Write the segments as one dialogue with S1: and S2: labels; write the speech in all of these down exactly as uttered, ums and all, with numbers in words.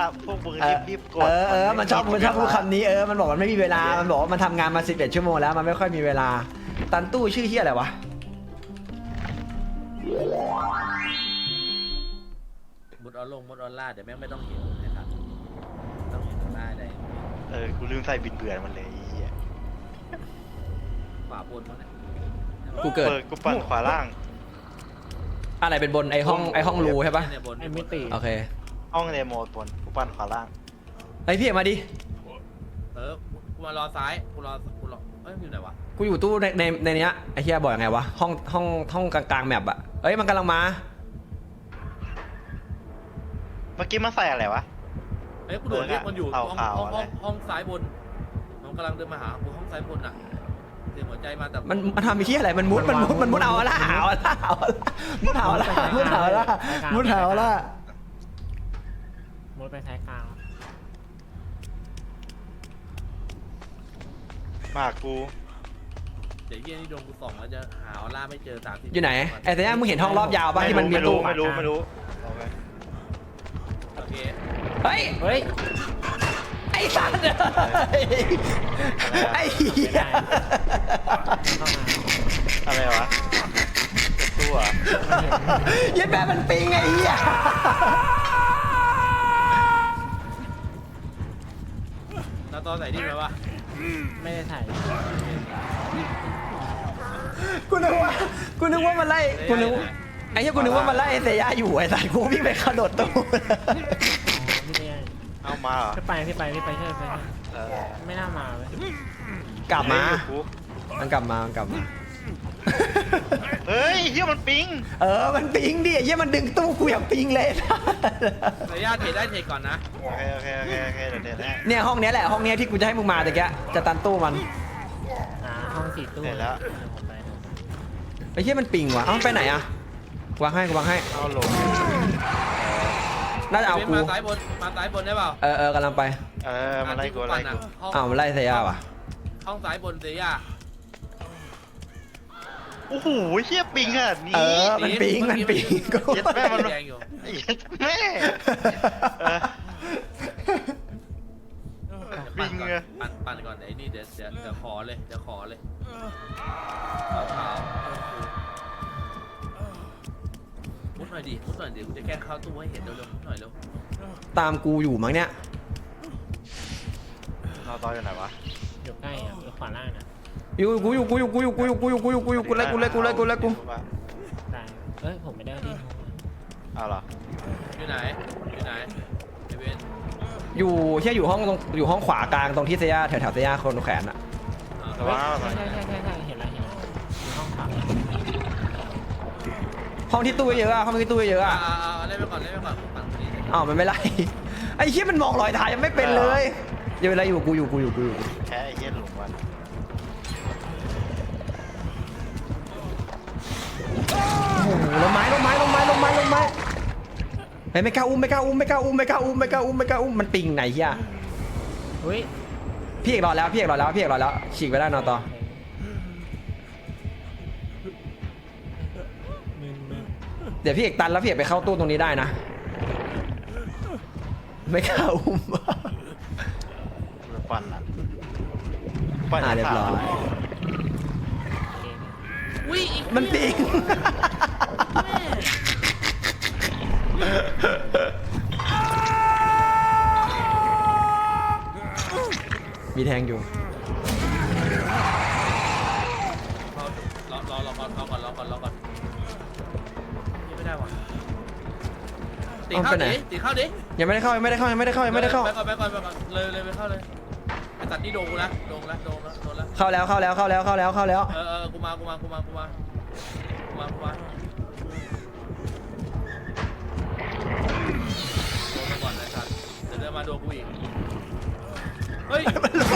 S1: พวกมึงรีบๆกด
S2: เออเออมันชอบมันชอบพูดคำนี้เออมันบอกมันไม่มีเวลามันบอกว่ามันทำงานมาสิบเอ็ดชั่วโมงแล้วมันไม่ค่อยมีเวลาตันตู้ชื่อเฮียอะไรวะ
S3: มุดออนลงมุดออนล่าเดี๋ยวแม่งไม่ต้องเห็นนะครับต้องเห็นได้ได้
S1: เออกูลืมใส่บินเบื่อมันเลย
S3: ขวาบนมั้งเนี่ย
S2: กูเกิด
S1: กูปั่นขวาล่าง
S2: อะไรเป็นบนไอห้องไอห้องรูใช่ปะ
S3: เนี่ยบน
S4: ไอ้มิติ
S2: โอเค
S1: ห้องเดโมบนกูปั่นขวาล่าง
S2: ไอพี่เอกมาดิ
S3: เออกูมารอซ้ายกูรอกูรอเอ้ยอยู่ไหนวะ
S2: กูอยู่ตู้ในในในเนี้ยไอเฮียบอกยังไงวะห้องห้องห้องกลางๆแมปอะเอ้ยมันกำลังมา
S1: เมื่อกี้มันใส่อะไรวะ
S3: เอ้ยกูโดดเรียกมันอยู่ห้อง
S1: ขาวๆ
S3: ห้อง
S1: อะไร
S3: ห้องห้องซ้ายบนมันกำลังเดินมาหากูห้องซ้ายบนอ่ะเสียงหัวใจมาแต่
S2: มันมันทำไอ้เฮียอะไรมันมุดมันมุดมันมุดเอาละเอาละเอาละมุดเอาละมุดเอาละมุดเอาละ
S4: มุดไปท้ายกลาง
S1: มากกู
S3: เดี๋ยวเยี่ยนี่โดนกูส่องแล้วจะหาออร่าไม่เจอสามสิบ
S2: อยู่ไหนไอ้แต่ยังมึงเห็นห้องรอบยาวป่ะที่มันมี
S1: ไม่
S2: ตู้
S1: รู้ไม่รู้ไม่รู้โอเค
S3: โอเค
S2: เฮ้ย
S4: เฮ้ย
S2: ไอ้สัตว์ไอ้เหี้ย
S4: เข้ามา
S1: อะไรวะตัว
S2: ยัดแม่มันปิงไอ้เหี้ย
S3: แล้วตอนไหนที่ไหมวะ
S4: ไม่ได้ถ่าย
S2: กูนึกว่ากูนึกว่ามันไล่กูนึกว่าไอ้เหี้ยกูนึกว่ามันไล่ไอ้เสียอยู่ไอ้สัตว์กูวิ่งไปกระโดดตู้
S4: พี่เนี่ย
S1: เอามาเหรอ
S4: พี่ไปพี่ไปพี่ไปเชื่อไป
S1: เออ
S4: ไม่น่ามาเลย
S2: กลับมา
S1: กู
S2: มันกลับมามันกลับมา
S1: เฮ้ยเฮียมันปิง
S2: เออมันปิงดิไอ้เหี้ยมันดึงตู้กูอย่างปิงเลย
S3: ระยะเทรดได้เทรดก่อนนะ
S1: โอเคโอเคโอเคโอเคเดี๋ยวเดี๋ยวได้
S2: เนี่ยห้องเนี้ยแหละห้องเนี้ยที่กูจะให้มึงมาแต่แกจะตันตู้มัน
S4: อ่าห้องสี่ตู้
S1: เห็นแล้ว
S4: ผมไป
S2: ไอ้เหี้ยมันปิงว่ะเอ้าไปไหนอะวางให้กูวางให้
S1: เอาลง
S2: น่าจะเอากู
S3: มาซ้ายบนมาซ้ายบนได้เปล่า
S2: เออเออกำลังไป
S1: เออมาไล่กูไล่กู
S2: อ้าวมันไล่เสียว่ะ
S3: ห้องซ้ายบนเสีย
S1: โอ้โหเฮียปิงขนาด
S2: เอ
S1: นี้
S2: อมันปิงมันปิงกู
S1: เย็ดแม่มัน
S3: แดงอยู่
S1: ไอ้เหี้ยแม่เออ
S3: ปั่น
S1: ปิง
S3: ก่อน
S1: เลย
S3: ปั่นปั่นก่อนไอ้นี่เดี๋ยวเดี๋ยวเดี๋ยวขอเลยเดี๋ยวขอเลยขาวขาวมุดหน่อยดิมุดหน่อยเดี๋ยวกูจะแกล้งเข้าตู้ให้เห็นเร็วๆมุดหน่อยเร็ว
S2: ตามกูอยู่มั้งเนี่ย
S1: เราต่ออยู่ไหนวะ
S4: อยู่ใกล้อ่ะอยู่ขวาล่างนะ
S2: อยู่กูอยู่กูอยู่กูอยู่กูอยู่กูอยู่กูอยู่กูอยู่กูเลยกูเลยกูเลยกูเลยกู
S4: ได้เอ้ยผมไม่ได้ที่
S1: เอาเหรอ
S3: อยู่ไหนอยู่ไหนไอเวน
S2: อยู่เชี่ยอยู่ห้องตรงอยู่ห้องขวากลางตรงที่เซียแถวแถวเซียคนแขนอะ
S3: อ่า
S1: ระวังนะระวั
S4: ใช่
S1: ง
S4: ใช่ใช่ใช่เห็นแล้วเห็นแล้วอยู่ห้องขวา
S2: ห้องที่ตู้เยอะอะห้องที่ตู้เยอะ
S3: อ่า
S2: อะ
S3: อ่าอ่าเล่นไปก่อนเล่นไปก่อนปั่นคนนี้
S2: อ้าวมันไม่ไล่ไอ้เชี่ยมันมองรอยเท้ายังไม่เป็นเลยอยู่อะไรอยู่กูอยู่กูอยู่กูอยู่
S1: แค่ไอ้เหี้ยหลงวัน
S2: โอ้โหลงไม้ลงไม้ลงไม้ลงไม้ลงไม้เฮ้ยไม่กล้าอุ้มไม่กล้าอุ้มไม่กล้าอุ้มไม่กล้าอุ้มไม่กล้าอุ้มไม่กล้าอุ้มมันปิงไหนเฮีย
S4: เฮ้ย
S2: พี่เอกรอแล้วพี่เอกรอแล้วพี่เอกรอแล้วฉีกไปได้นอนต่อ
S4: มึนมึน
S2: เดี๋ยวพี่เอกตันแล้วพี่เอกไปเข้าตู้ตรงนี้ได้นะ ไม่กล้าอุ้ม
S1: ปั่นอ่ะปั่น
S2: อ่าเรียบร้อย
S3: อุ้ยอีก
S2: มันปิง มีแทงอยู่
S3: รอรอรอก่อนรอก่อนรอก่อนรอก่อนยังไม่ได้ว่ะตีเข้าดิตีเข้าดิ
S2: ยังไม่ได้เข้ายังไม่ได้เข้ายังไม่ได้เข้ายังไม่ได้เข้า
S3: ไปก่อนไปก่อนไปก่อนเลยเลยไปเข้าเลยไอ้ตัดนี่โดนกูนะโดนแล้วโดนแล้วโดนแล้ว
S2: เข้าแล้วเข้าแล้วเข้าแล้วเข้าแล้วเข้าแล้ว
S3: เออเออกูมากูมากูมากูมากูมากูมาโดนมาก่อนไอ้สัตว์เดี๋ยวเดินมาโดนกูอีกเฮ้ย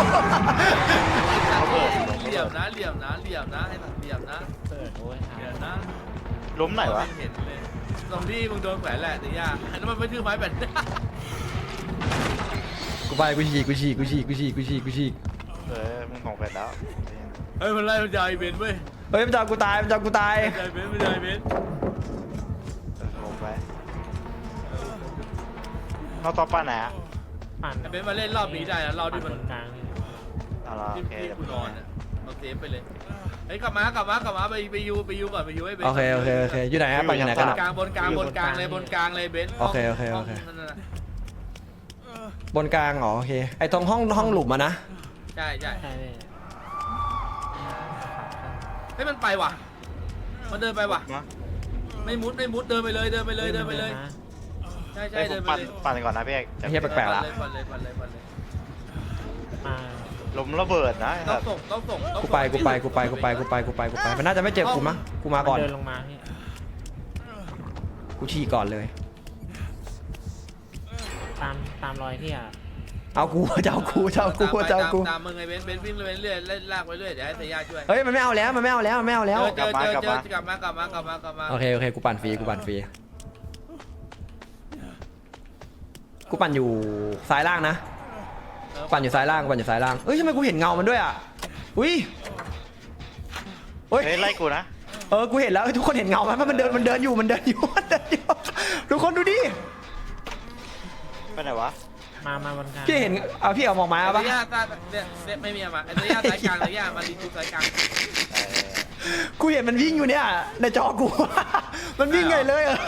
S3: เหลี่ยมนะเหลี่ยมนะเหลี่ยมนะไอ้สัตว์เหลี่ยมนะ
S4: เปิดโอ้ยค
S3: เหลี่ย
S4: รั
S3: ม
S4: บ
S3: นะ
S1: ล้มไหนวะ
S3: เห็นเลยตรงที่มึงโดนแขวนแหละแต่ยากแล้วมันไม่ถือไม้แบบ
S2: กูไปกูฉีกกูฉีกกูฉีกกูฉีกกูฉีกกูฉีก
S1: เออมึงของไปแล้ว
S3: เฮ้ยมันไล่มันจะไอเบนเว้ย
S2: เฮ้ยมันจะเอากูตายมันจะเอากูตาย
S3: มันจะไอเบนมันจะไอเบน
S1: ลงไปเราต่อป้าไหนอ่ะ
S4: ปั่น
S3: ไอ้เบนซ์มาเล่นรอบนี้ได้นะรอบ
S4: ปั่
S3: ที่
S4: น
S3: มัน
S4: บนกลางนี่
S1: เอาละ
S3: ที่
S1: โอเค
S3: ที่
S1: เดี๋ยว
S3: กูนอนอ่ะเอาเซฟไปเลยเฮ้ยกลับมากลับมากลับมาไปไปยูไปยูก่อนไปยูให้เบนซ์
S2: โอเคโอเคโอเคอยู่ไหนฮะปั่นอยู่ไหนกันอะ
S3: กลางบนกลางบนกลางเลยบนกลางเลยเบนซ์
S2: โอเคโอเคโอเค
S3: ห้งนั่นน่ะ
S2: บนกลางอ๋อโอเคไอ้ตรงห้องห้องหลุมอะนะ
S3: ใช่ใช่
S4: ใช่พี่
S3: เฮ้ยมันไปว่ะมันเดินไปว่ะ
S1: มา
S3: ไม่มุดไม่มุดเดินไปเลยเดินไปเลยเดินไปเลย
S4: นะ
S3: ใช่ใช่
S1: เฮ้ยผ
S3: เดิ
S1: ม
S3: นไป
S1: ปั่น
S3: เลย
S1: ปั่นก่อนนะพี่เอก
S2: ไอ้เหี้ยแปลกๆละ
S3: ปั่นเลยปั่นเลยปั่นเลยปั่นเลย
S4: มา
S1: ลมระเบิดนะไอ้
S3: ต้อ
S1: สั
S3: ง
S1: ตว์
S3: ส่งต้องส่งต้อง
S2: กู
S3: ส่ง
S2: ไปกูไปกูไปกูไปกูไปกูไปกูไปมันน่าจะไม่เจอกูมั้งกูมาก่อน
S4: เดินลงมาพี่
S2: กูฉี่ก่อนเลย
S4: ตามตามรอยพี่อ่ะ
S2: เอากูจะเอากูจะเอากูจะเอากู
S3: ตามมึงไงเบนซ์เบนซ์วิ่งไปเรื่อยเล่นลากไปเรื่อยเดี๋ยวให้เสียยาช่วย
S2: เฮ้ยมันไม่เอาแล้วมันไม่เอาแล้วมันไม่เอาแล้ว
S3: เจอเจอเจอเจอกลับมากลับมากลับมากลับมา
S2: โอเคโอเคกูปั่นฟรีกูปั่นฟรีกูปั่นอยู่ซ้ายล่างนะปั่นอยู่ซ้ายล่างปั่นอยู่ซ้ายล่างเอ้ยทำไมกูเห็นเงามันด้วยอ่ะอุ้ยเฮ้ย
S1: เฮ้ยไล่กูนะ
S2: เออกูเห็นแล้วเฮ้ยทุกคนเห็นเงาไหมมันเดินมันเดินอยู่มันเดินอยู่มันเดินอยู่ทุกคนดูดิ
S1: ไปไหนวะ
S4: มามาบนกลาง
S2: พี่เห็นเอาพี่เอามองไม้
S3: ไอ้
S2: เอาปะ
S3: เสียยาตาเนี่ยเนี่ยไม่มีอะมาไอ้เสียยาสายกลางเสียยามาดีกูสายกลาง
S1: เออ
S2: กูเห็นมันวิ่งอยู่เนี่ยในจอกู มันวิ่งไงเลยเออ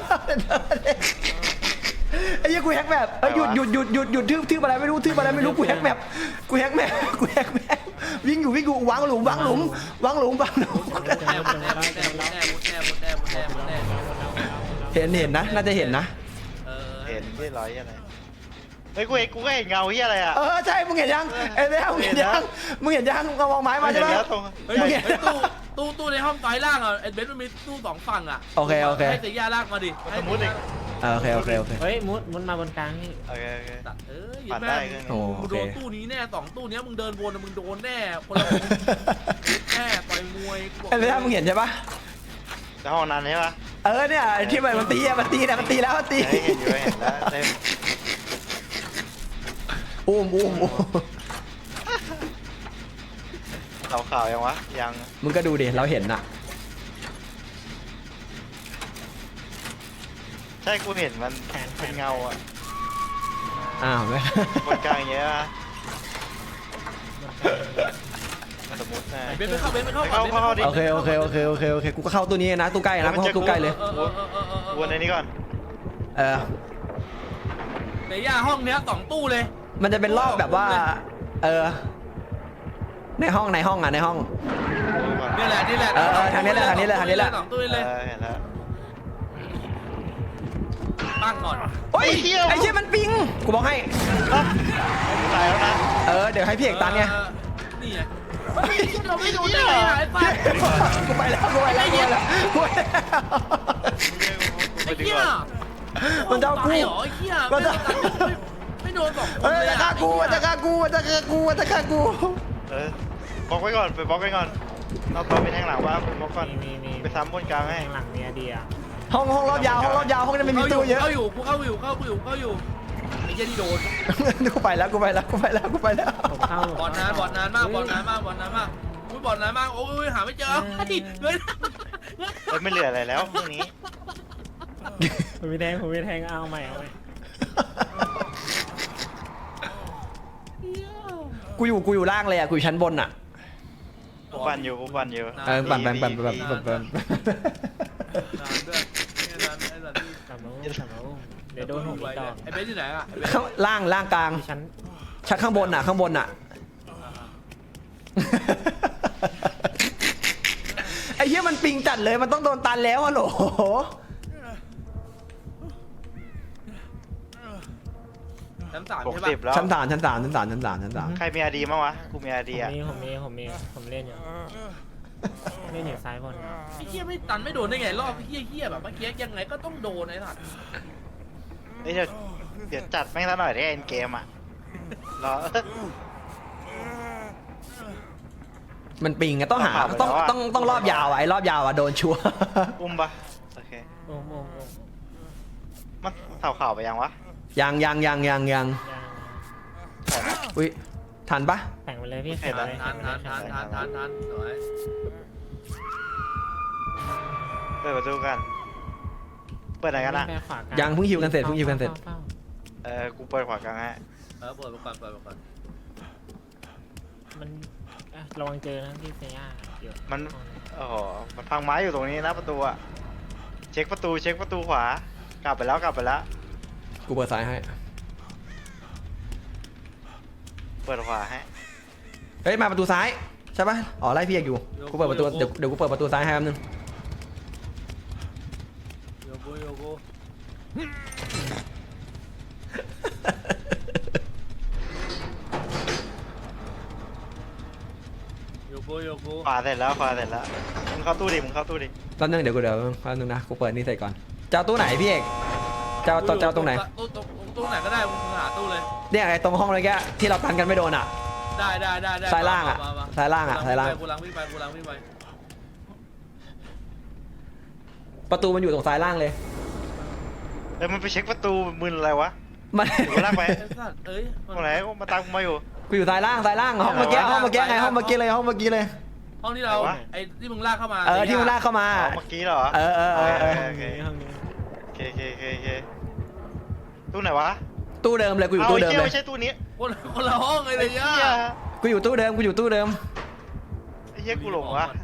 S2: ไอ้เหี้ยกูแฮกแบบเอ้ยหยุดหยุดหยุดหยุดหยุดทึบทึบอะไรไม่รู้ทึบอะไรไม่รู้กูแฮกแมปกูแฮกแมปกูแฮกแมปวิ่งอยู่วิ่งอยู่วางหลุมวางหลุมวางหลุมวางหลุม
S3: มุดแน่มุดแน่มุดแน่มุดแน่มุดแน่มุดแน่มุดแน่มุดแน่
S2: เห็นเห็นนะน่าจะเห็นนะ
S3: เออ
S1: เห็นที่ร้อยอะไรเฮ้ยกูเห็นกูก็เห็นเงาที่อะไรอ่ะ
S2: เออใช่มึงเห็นยังไอ้เนี้ยมึงเห็นยังมึงเห็นยังมึงเอามองไม้มาใช่ไหม
S1: เห็นแล้วตรง
S3: เฮ้ยตู้ตู้ตู้ในห้องซ้ายล่างอ่ะไอ้เบนซ์มันมีตู้สองฝั่งอ่ะให้เสียยาลากมาดิให้
S1: มุดอีก
S2: เออโอเคโอเคโอเค
S4: เฮ้ยมุดมุดมาบนกลางพี่
S1: โอเคโอเค
S3: เออ
S1: ปั่นได้เครื่อง
S2: โอ้
S1: นี้
S2: โอ
S3: มึง
S2: เค
S3: โดนตู้นี้แน่สองตู้นี้มึงเดินวนมึงโดนแน่คนละแน่ต่อยมวย
S2: ไอ้เนี้ยมึงเห็นใช่ปะ
S1: แล้วห้องนั้นใช่ปะ
S2: เออเนี่ยที่มันมันตีอะมันตีนะมันตีแล้วมันตี
S1: เฮ้ยเห็นอยู่เห็นแล้วเต็ม
S2: อุ้มอุ้มอุ้ม
S1: ข่าวข่าวยังวะยัง
S2: มึงก็ดูดิเราเห็นน่ะ
S1: ใช่กูเห็นมันเป็นเงาอ่ะ
S2: อ้าวไม่
S1: บนกลางอย่างเงี้ยนะสมมตินะ
S3: เบนซ์ไปเข้าเบนซ์ไปเข้า
S1: เข้าเข้าดิ
S2: โอเคโอเคโอเคโอเคโอเคกูก็เข้าตู้นี้นะตู้ใกล้นะกูเข้าตู้ใกล้เลย
S1: วนในนี้ก่อน
S2: เออ
S3: เดี๋ยวย่าห้องเนี้ยสองตู้เลย
S2: มันจะเป็นรอบแบบว่าเออในห้องในห้องอ่ะในห้อง
S1: วนก่อน
S3: นี่แหละนี่แหละ
S2: เออเออทางนี้แหละทางนี้แหละทางนี้แหละ
S3: สองตู้
S1: เอ
S3: เลย
S1: อเห็นแล้ว
S3: ตั้งก่อน
S2: โอ้ย
S1: ไอ้เหี้ย
S2: ไอ้เชี่ยมันปิงกูบอกให้
S1: อ่ะกูตายแล้วนะ
S2: เออเดี๋ยวให้พี่เอกตันไง
S3: นี่ไงเราไม่โดนได้ไงอ่ะไอ้ป้า
S2: กูไปแล้วกูไปแล้วกูไปแล้วกูไปแล้ว
S3: ไอ้เหี้ย
S2: มันจะเอากู
S3: ตายเหรอไอ้เหี้ย
S2: มันจะ
S3: ไม่โดนสองคน
S2: เฮ้ย
S3: เลย
S2: จะฆ่ากูมันจะฆ่ากูมันจะฆ่ากูมันจะฆ่ากู
S1: เออบล็อกไว้ก่อนไปบล็อกไว้ก่อนเอาตัวไปแทงหลังว่าบล็อกก่อน
S4: มีมีมี
S1: ไปซ้ำบนกลางให้
S4: ข้างหลังมีไอเดีย
S2: ห้องห้องรอบยาวห้องรอบยาวห้องนี้ไม่มีตู้เยอะ
S3: เข้าอยู่กูเข้าอยู่เข้าอยู่เข้าอยู่ไอ้เหี้ยที่โดน
S2: กูไปแล้วกูไปแล้วกูไปแล้วกูไปแล้ว
S4: ผมเข้า
S3: บอลนานบอลนานมากบอลนานมากบอลนานมากอุ้ยบอลนานมากโอ้ยหาไม่เจอไอ้เงิน
S1: เฮ้ยไม่เหลืออะไรแล้วพวกนี้
S4: ผมมีแทงผมมีแทงเอาใหม่เอาใหม่
S2: กูอยู่กูอยู่ล่างเลยอ่ะกูอยู่ชั้นบนอ่ะ
S1: กูปั่นอยู่กูปั่นอยู่
S2: เออปั่นปั่นปั่นปั่นปั่นปั่น
S3: นานด้วยนานไอ้สัตว์
S4: กลับมาอุ้มกลับมาอุ้มเดี๋ยวโดนผมอีกดอก
S3: ไอ้เบสที่ไหนอ่ะไอ้เบส
S2: ข้างล่างล่างกลาง
S4: ชั้น
S2: ชั้นข้างบนอ่ะข้างบนอ่ะ ไอ้เหี้ยมันปิงจัดเลยมันต้องโดนตันแล้วอะโหล
S3: ชั้นสาม
S1: หก
S3: ใช่ป่ะ
S1: สิบแล้ว
S2: ชั้นสามชั้นสามชั้นสามชั้นสามชั้นสาม
S1: ใครมีอาดีมั้างวะกูมีอา
S4: ผ
S1: ดี
S4: ม
S1: อ่ะ
S4: มีผมมีผมมีผมเล่นอยู่เล่นอยู่ซ้ายบน
S3: ไอ้เหี้ยไม่ตันไม่โดนได้ไงรอบเหี้ยเหี้ยแบบเมื่อกี้ยังไงก็ต้องโดนไอ้สัตว์
S1: เฮ้ยเดี๋ยวเดี๋ยวจัดแม่งซะหน่อยได้เอ็นเกมอ่ะรอ
S2: มันปิงอะต้องหาต้องต้องต้องรอบยาวอะไอ้รอบยาวอะโดนชัวร์
S1: อุ้มปะโอเค
S4: โอ้โหโอ้โห
S1: มันเข่าเข่าไปยังวะ
S2: ยังยังยังยังยัง
S4: ยัง
S2: อุ้ยทันปะ
S4: แต่งไปเลยพี่แต่งไปเลย
S3: ทานทานทานทานทานทานสวย
S1: เปิดประตูกันเปิดไหนกันอะ
S4: ไปขวากลา
S2: ยังเพิ่งฮิวกันเสร็จเพิ่งฮิวกันเสร็จ
S4: ฝ้าฝ้า
S1: เออกูเปิดขวากลางให้
S3: อเปิดมาก่อนเปิดมาก่อน
S4: มันอ่ะระวังเจอนะพี่เซียเดี๋ยว
S1: มันโอ้โหมันพังไม้อยู่ตรงนี้นะประตูอะเช็คประตูเช็คประตูขวากลับไปแล้วกลับไปแล้ว
S2: กูเปิดซ้ายให้
S1: เปิดขวาให้
S2: เฮ้ยมาประตูซ้ายใช่ปะอ๋อไล่พี่เอกอยู่กูเปิดประตูเดี๋ยวเดี๋ยวกูเปิดประตูซ้ายให้แป๊บนึง
S3: โยโกโยโกโยโกโยโก
S1: ขวาเสร็จแล้วขวาเสร็จแล้วมึงเข้าตู้ดิมึงเข้าตู้ดิ
S2: แป๊บนึงเดี๋ยวกูเดี๋ยวแป๊บนึงนะกูเปิดนี่เสร็จก่อนจะเอาตู้ไหนพี่เอกจะเอาจะเอาตรงไหน
S3: ตู้ตรงตู้ไหนก็ได้มึงหาตู้เลย
S2: เนี่ยไอ้ตรงห้องเลยแกที่เราตันกันไม่โดนอ่ะ
S3: ได้ได้ได้ได้
S2: ซ้ายล่างอ่ะ
S3: มมม
S2: ซ้ายล่างอ่ะซ้ายล่าง
S3: กูลังวิ่งไปกูลังวิ่งไป
S2: ประตูมันอยู่ตรงซ้ายล่างเลย
S1: เอ้ยมันไปเช็คประตูมึนอะไรวะ
S2: มัน
S1: กูลากไป
S3: ไอ้สัตว์เอ้ย
S1: ตรงไหนกูมาตามกูมาอยู่
S2: กูอยู่ซ้ายล่างซ้ายล่างห้องเมื่อกี้ห้องเมื่อกี้ไงห้องเมื่อกี้เลยห้องเมื่อกี้เลย
S3: ห้องที่เรา
S1: ไหนวะ
S3: ไอ้ที่มึงลากเข้ามา
S2: เออที่มึงลากเข้ามา
S1: อ๋อเมื่อกี้เหรอ
S2: เออเออเออเออ
S1: โอเค
S4: ห้องนี้
S1: โอเคโอเคโอเคโอเคตู้ไหนวะ
S2: ตู้เดิมเลยกูอยู่ตู้เดิม
S1: า
S2: เล
S1: ไอ้
S2: ย
S1: หี้ไม่ใช่ตู้นี้
S3: คนคนละห้องเลยเลย
S1: ไอ้
S3: ย่า
S1: เหี้ย
S2: กูอยู่ตู้เดิมกูอยู่ตู้เดิม
S1: ไอ้เหี้ยกูหลงวะ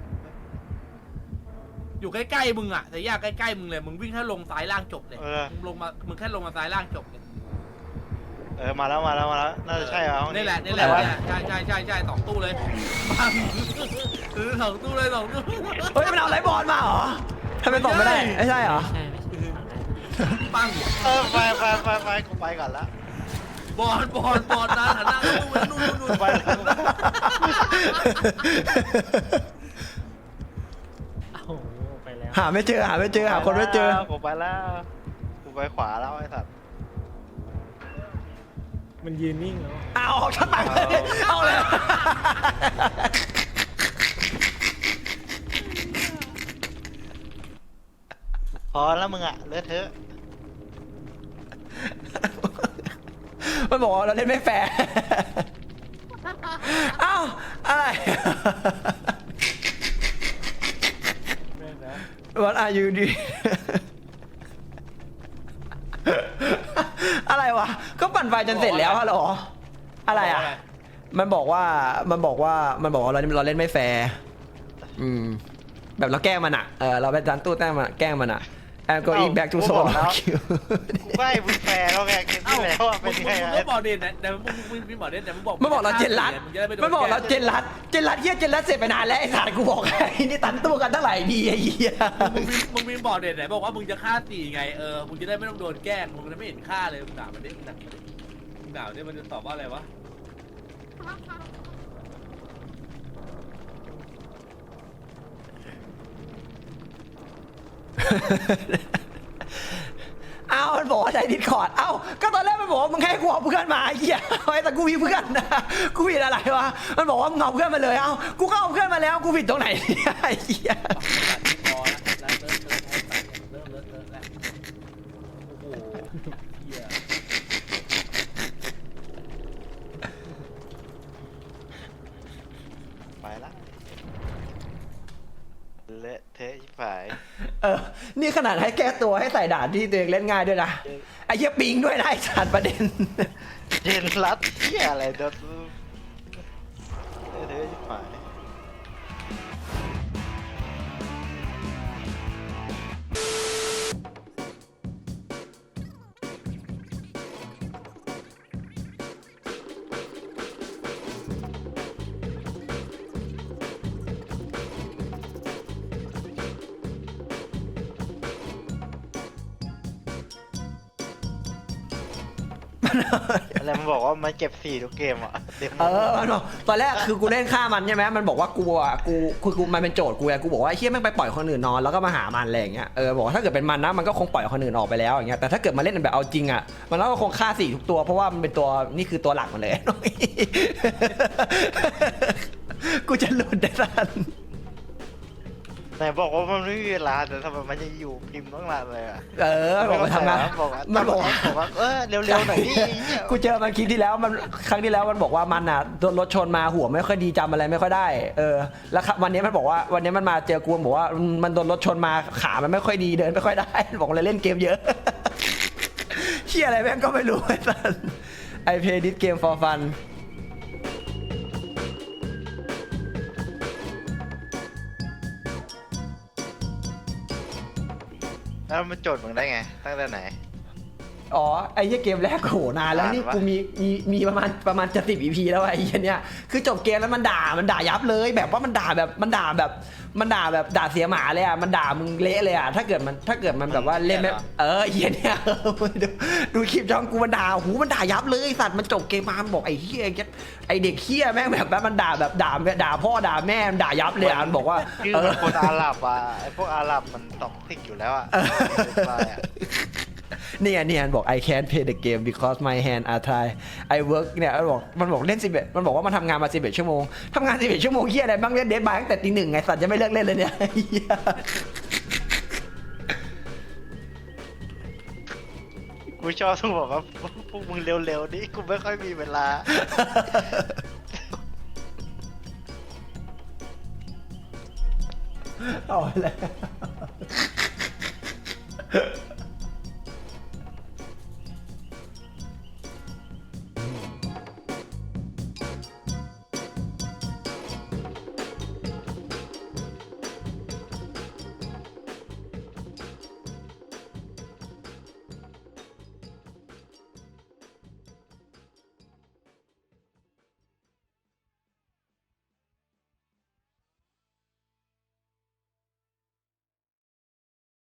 S3: อยู่ใกล้ๆมึงอ่ะแต่ย่าใกล้ๆมึงเลยมึงวิ่งแค่ลงซ้ายล่างจบเลย
S1: เออ
S3: มึงลงมามึงแค่ลงมาซ้ายล่างจบเลย
S1: เออมาแล้วมาแล้วมาแล้วน่าจะใช่เหรอห้อง
S3: นี่แหละนี่แหละ
S1: ตู้ไว
S3: เนี่ยใช่ใช่ใช่ใช่สองตู้เลยปังเออสองตู้เลยสองตู้
S2: เฮ้ยมันเอาไรบอลมาเหรอทำไมตอบไม่ได้ไม่ใช่เหรอ
S4: ใช่ไม่ใช่
S3: ปัง
S1: เออไปไปไปไปกูไปก่อนละ
S3: บอลบอลบอลนะหันหน้าเข้าตู้ไปนู่นนู่นนู่น
S1: ไปแล้ว
S4: โอ้โหไปแล้ว
S2: หาไม่เจอหาไม่เจอหาคนไม่เจอ
S1: กูไปแล้วกูไปขวาแล้วไอ้สัตว์
S4: มันยืนนิ่งแล้ว
S2: เอาออกชั้นไปเลยเอาเลย
S1: พอแล้วมึงอะเลอะเทอะ
S2: มันบอกว่าเราเล่นไม่แฟร์เอ้าอะไร What are you doing อะไรวะก็ปั่นไฟจนเสร็จแล้วฮัลโหลอะไรอ่ะมันบอกว่ามันบอกว่ามันบอกว่าเราเราเล่นไม่แฟร์อืมแบบเราแกล้งมันอ่ะเออเราไปดันตู้แต้มมันแกล้งมันอ่ะ I'm going back to solo queue
S1: กูใกล้มึงแฟร์แล้วไงเกมที่แล้วอะ
S3: มึ
S1: เป็น
S3: ง
S1: ยังไง
S3: มึง
S1: อะ
S3: ก็บอกเด่นแต่มึงมึงมึงบอกเด่นแต่มึงบอก
S2: มันบอกเราเจนรัด
S3: มึงจะได้ไม่โด
S2: มันบอกเรา
S3: แกล้ง
S2: เจนรัดเจนรัดเฮียเจนรัดเสร็จไปนานแล้วไอ้สัตว์กูบอกให้นี่ตันตู้กันตั้งหลายดีไอ้เหี้ย
S3: มึงมีมึงมีบอกเด่นไหนบอกว่ามึงจะฆ่าตีไงเออมึงจะได้ไม่ต้องโดนแกล้งมึงจะไม่เห็นฆ่าเลยมึงด่ามันดิมึงด่ามันดิมึงด่ามันดิมันจะตอบว่าอะไรวะ
S2: เอ้ามันบอกว่าใช้ดิสคอร์ดเอ้าก็ตอนแรกมันบอกว่ามึงให้กูเอาเพื่อนมาไอ้เหี้ยไอ้แต่กูมีเพื่อนนะกูผิดอะไรวะมันบอกว่ามึงเอาเพื่อนมาเลยเอ้ากูก็เอาเพื่อนมาแล้วกูผิดตรงไหนเนี่ยไอ้เหี้ย
S3: พอแล้วเริ่มเริ่มเริ่มเริ่มเริ่มแล้วโอ้โหเหี้ย
S1: ไปละเละเทะชิบหาย
S2: เออนี่ขนาดให้แก้ตัวให้ใส่ด่านที่ตัวเองเล่นง่ายด้วยนะไอ้เหี้ยปิงด้วยนะไอ้สัตว์ประเด็น
S1: เจนรัดเหี้ยอะไรเดี๋ยวเละเทะชิบหาย อะไรมันบอกว่ามันเก็บสี่ทุกเกมอ่ะเต็มหม
S2: เอ
S1: ด
S2: อมันบอกตอนแรกคือกูเล่นฆ่ามันใช่ไหมมันบอกว่ากูอ่ะกูคือกูมันเป็นโจทย์กูไงกูบอกว่าไอ้เฮียแม่งไปปล่อยคนอื่นนอนแล้วก็มาหามันอะไรอย่างเงี้ยเออบอกว่าถ้าเกิดเป็นมันนะมันก็คงปล่อยคนอื่นออกไปแล้วอย่างเงี้ยแต่ถ้าเกิดมาเล่นแบบเอาจริงอ่ะมันก็คงฆ่าสี่ทุกตัวเพราะว่ามันเป็นตัวนี่คือตัวหลักมันเลย กูจะหลุดได้ทัน
S1: ไหนบอกว่ามันไม่มีเวลาแต่ทำไมมันยังอยู่พิมพ์ต้องนานเลยอ่ะ
S2: เออบอกมาทำงาน
S1: บอกว่า
S2: มันบอกว่า
S1: บอกว่าเออเร็วๆหน่อยดิ
S2: กูเจอมันคลิปที่แล้วมันครั้งที่แล้วมันบอกว่ามันอ่ะโดนรถชนมาหัวไม่ค่อยดีจำอะไรไม่ค่อยได้เออแล้ววันนี้มันบอกว่าวันนี้มันมาเจอกูมันบอกว่ามันโดนรถชนมาขามันไม่ค่อยดีเดินไม่ค่อยได้บอกเลยเล่นเกมเยอะ เชี่ยอะไรแม่งก็ไม่รู้ไอ้สัส I play this game for fun
S1: แล้วมันโจทย์มึงได้ไงตั้งแต่ไหน
S2: อ๋อไอ้เหี้ยเกมแรกโหนานแล้วนี่
S1: นานวะ
S2: กูมีมีมีประมาณประมาณจะสิบ อี พี แล้วไอ้เหี้ยเนี่ยคือจบเกมแล้วมันด่ามันด่ายับเลย แบบว่ามันด่าแบบมันด่าแบบมันด่าแบบด่าเสียหมาเลยอ่ะมันด่ามึงเละเลยอ่ะถ้าเกิดมันถ้าเกิดมันแบบว่าเล่นไม่เออไอ้เหี้ยเนี่ย เออดูดูคลิปช่องกูมันด่าหูมันด่ายับเลยไอ้สัตว์มันจบเกมมามันบอกไอ้เหี้ยไอ้เด็กเหี้ยแม่งแบบแบบมันด่าแบบด่าด่าพ่อด่าแม่มันด่ายับเลยอ่ะมันบอกว่า
S1: คือ
S2: เอ
S1: มั
S2: อ
S1: นคนอาหรับอ่ะไอพวกอาหรับมันตอกติกอยู่แล้วอ่ะไปอ่ะ
S2: เนี่ยเนี่ยมันบอก I can't play the game because my hand are tired I work เนี่ยมันบอกมันบอกเล่นสิบเอ็ดมันบอกว่ามันทำงานมาสิบเอ็ดชั่วโมงทำงานสิบเอ็ดชั่วโมงเฮียอะไรบ้างเล่นเดดบายตั้งแต่ตีหนึ่งไงสัตว์จะไม่เลิกเล่นเลยเนี่ยเหี้ย
S1: กูชอบทุกบอกว่าพวกมึงเร็วๆนี่กูไม่ค่อยมีเวลา
S2: เอาอะไร